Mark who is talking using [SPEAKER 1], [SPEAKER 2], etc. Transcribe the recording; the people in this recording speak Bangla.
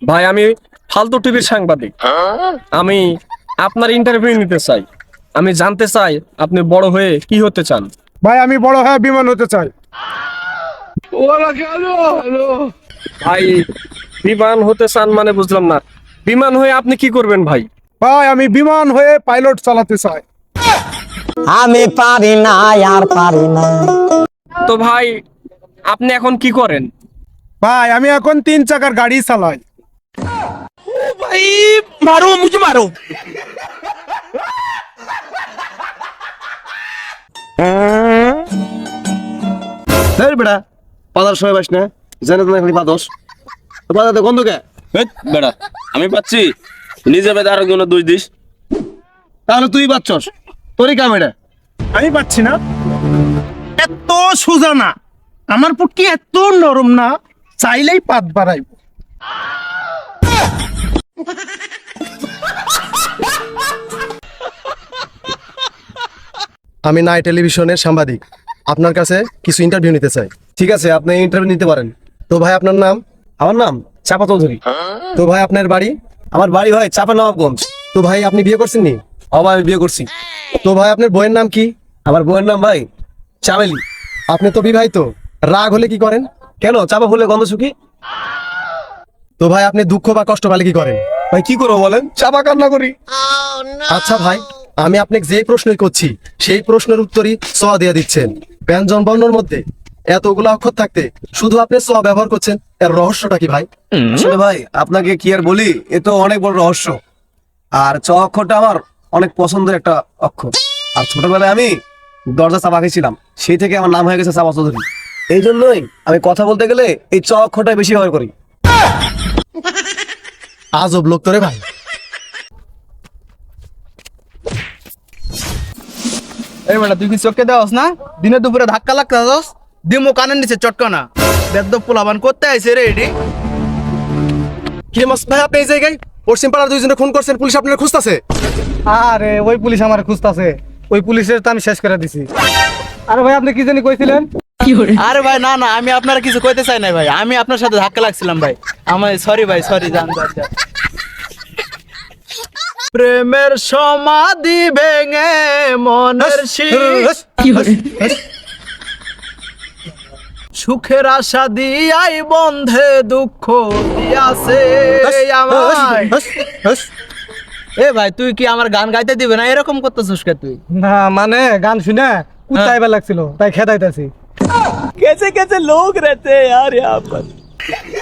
[SPEAKER 1] ভাই আমি ফালতু টিভির সাংবাদিক। আমি আপনার ইন্টারভিউ নিতে চাই। আমি জানতে চাই আপনি বড় হয়ে কি হতে চান।
[SPEAKER 2] ভাই আমি বড় হয়ে বিমান হতে চাই।
[SPEAKER 1] ভাই বিমান হতে চান মানে বুঝলাম না। বিমান হয়ে আপনি কি করবেন ভাই?
[SPEAKER 2] ভাই আমি বিমান হয়ে পাইলট চালাতে চাই।
[SPEAKER 3] আমি পারি না আর পারি না।
[SPEAKER 1] তো ভাই আপনি এখন কি করেন?
[SPEAKER 2] ভাই আমি এখন 3 চাকার গাড়ি চালাই।
[SPEAKER 4] भाई मारो मुझे मारो।
[SPEAKER 5] বেটা পাতার সময় পাস না, জানে তুমি খালি পাতস পাতাতে গন্ধ কে?
[SPEAKER 6] বেড়া আমি পাচ্ছি, নিজে বেদা আরো কোনো দুই দিস।
[SPEAKER 5] তাহলে তুই পাচ্ছস, তোরই কাম এটা।
[SPEAKER 2] আমি পাচ্ছি না। এত সোজা না, আমার পুটকি এত নরম না, চাইলেই পাত বাড়াইব।
[SPEAKER 7] আমি নাই টেলিভিশনের সাংবাদিক, আপনার কাছে কিছু ইন্টারভিউ নিতে চাই।
[SPEAKER 5] ঠিক আছে, আপনি ইন্টারভিউ নিতে পারেন।
[SPEAKER 7] তো ভাই আপনার নাম?
[SPEAKER 5] আমার নাম চাপা চৌধুরী।
[SPEAKER 7] তো ভাই আপনার বাড়ি?
[SPEAKER 5] আমার বাড়ি হয় চাপা নবাবগঞ্জ।
[SPEAKER 7] তো ভাই আপনি বিয়ে করছেন নি?
[SPEAKER 5] অবাই আমি বিয়ে করছি।
[SPEAKER 7] তো ভাই আপনার বইয়ের নাম কি?
[SPEAKER 5] আমার বউয়ের নাম ভাই চামেলি।
[SPEAKER 7] আপনি তো বিবাহিত, রাগ হলে কি করেন?
[SPEAKER 5] কেন, চাপা ফুলে গন্ধ শুকি।
[SPEAKER 7] তো ভাই আপনি দুঃখ বা কষ্ট পেলে কি করেন?
[SPEAKER 5] ভাই কি করবো বলেন, চাপা কান্না করি।
[SPEAKER 7] আচ্ছা ভাই, আমি আপনাকে যে প্রশ্নই করছি সেই প্রশ্নের উত্তরই স দিয়ে দিচ্ছেন। ব্যঞ্জন বর্ণের মধ্যে এতগুলো অক্ষর থাকতে শুধু আপনি স ব্যবহার করছেন, এর রহস্যটা কি ভাই?
[SPEAKER 5] আসলে ভাই আপনাকে কি আর বলি, এ তো অনেক বড় রহস্য। আর চ অক্ষরটা আমার অনেক পছন্দের একটা অক্ষর। আর ছোটবেলায় আমি দরজা চাপা খেয়েছিলাম, সেই থেকে আমার নাম হয়ে গেছে চাপা চৌধুরী। এই জন্যই আমি কথা বলতে গেলে এই চ অক্ষরটা বেশি ব্যবহার করি।
[SPEAKER 7] আজব লোক তোরে ভাই।
[SPEAKER 4] এই বেটা তুই কি চোখে দেওয়াস না? দিনে দুপুরে ধাক্কা লাগতাছস, দিমু কানের নিচে চটকানা। বেদ্য পোলাবান করতে আইছে রে এডি।
[SPEAKER 7] কি মাস ভাই আপনি এই জায়গায়? পশ্চিম পাড়ার দুইজনে খুন করছেন, পুলিশ আপনার খুঁজতেছে।
[SPEAKER 2] আরে ওই পুলিশ আমার খুঁজতাছে, ওই পুলিশের তো আমি শেষ করে দিছি। আরে ভাই আপনি কি জানি কইছিলেন?
[SPEAKER 4] আরে ভাই না না, আমি আপনারা কিছু কইতে চাই না ভাই, আমি আপনার সাথে ধাক্কা লাগছিলাম ভাই। আমার সরি ভাই, সরি জান জান। প্রেমের সমাধি ভেঙে মনের সুখের আশা দিয়াই বন্ধে দুঃখ দিয়াছে আমায়। এ ভাই তুই কি আমার গান গাইতে দিবে না? এরকম করতেছিস কে তুই?
[SPEAKER 2] না মানে গান শুনে কুত্তাইবার লাগছিল, তাই খেদাইতাছি।
[SPEAKER 4] कैसे कैसे लोग रहते हैं यार यहाँ पर।